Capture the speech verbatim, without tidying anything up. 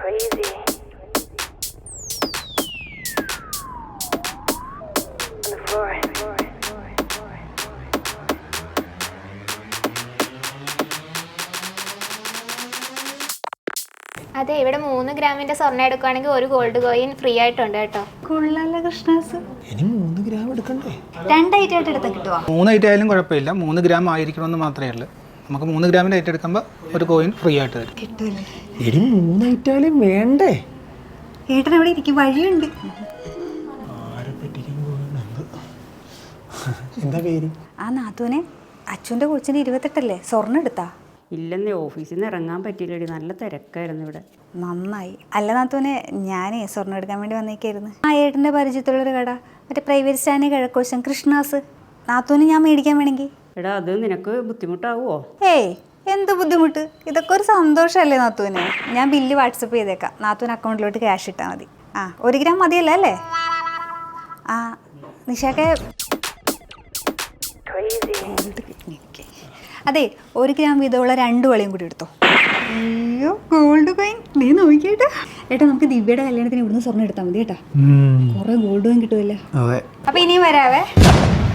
crazy. On the floor. അതെ, ഇവിടെ മൂന്ന് ഗ്രാമിന്റെ സ്വർണ്ണം എടുക്കുകയാണെങ്കിൽ ഒരു ഗോൾഡ് കോയിൻ ഫ്രീ ആയിട്ടുണ്ട് കേട്ടോ. കൊള്ളാലോ കൃഷ്ണാസ്. ഇനി മൂന്ന് ഗ്രാം എടുക്കണ്ടേ? രണ്ടായിട്ട് ആയിട്ട് എടുത്താൽ കിട്ടുമോ? മൂന്ന് ഐറ്റം ആയാലും കുഴപ്പമില്ല, മൂന്ന് ഗ്രാം ആയിരിക്കണമെന്ന് മാത്രമേ ഉള്ളൂ. നമുക്ക് മൂന്ന് ഗ്രാമിൻ്റെ ഐറ്റം എടുക്കുമ്പോൾ ഒരു കോയിൻ ഫ്രീ ആയിട്ട് തരും. കിട്ടുമല്ലേ? ഇനി മൂന്ന് ഐറ്റം ആയാലും വേണ്ടേ? ഏട്ടൻ എവിടെ ഇരിക്കും? വഴിയുണ്ട്. ആരെ പറ്റിക്കാൻ പോകുന്നുണ്ട്? എന്താ പേര്? ആ നാത്തൂനെ അച്ഛൻ്റെ കൊച്ചിന് ഇരുപത്തെട്ടല്ലേ? സ്വർണ്ണം എടുത്താ? ഇല്ലെന്നേ, ഓഫീസിൽ നിന്ന് ഇറങ്ങാൻ പറ്റിയില്ലടി, നല്ല തിരക്കായിരുന്നു ഇവിടെ. നന്നായി. അല്ല നാത്തൂനെ, ഞാനേ സ്വർണ്ണം എടുക്കാൻ വേണ്ടി വന്നേക്കായിരുന്നു. ആ ഏട്ടൻ്റെ പരിചയത്തുള്ളൊരു കട, മറ്റേ പ്രൈവറ്റ് സ്റ്റാൻഡ് കിഴക്കോശം കൃഷ്ണാസ്. നാത്തൂന് ഞാൻ മേടിക്കാൻ വേണമെങ്കിൽ. എടാ, അത് നിനക്ക് ബുദ്ധിമുട്ടാവുമോ? ഏയ്, എന്ത് ബുദ്ധിമുട്ട്? ഇതൊക്കെ ഒരു സന്തോഷമല്ലേ നാത്തൂന്? ഞാൻ ബില്ല് വാട്സപ്പ് ചെയ്തേക്കാം, നാത്തൂന് അക്കൗണ്ടിലോട്ട് ക്യാഷ് ഇട്ടാൽ മതി. ആ, ഒരു ഗ്രാം മതിയല്ലോ അല്ലേ? ആ നിഷാക്കെ, അതെ, ഒരു ഗ്രാം വീതമുള്ള രണ്ട് വളയും കൂടി എടുത്തോ. അയ്യോ, ഗോൾഡ് കോയിൻ. നീ നോക്കിയേട്ടാ. ഏട്ടാ, നമുക്ക് ദിവ്യയുടെ കല്യാണത്തിന് ഇവിടുന്ന് സ്വർണ്ണം എടുത്താൽ മതി കേട്ടാ. കുറെ ഗോൾഡ് കോയിൻ കിട്ടുമല്ലോ. അതെ. അപ്പൊ ഇനിയും വരാവേ.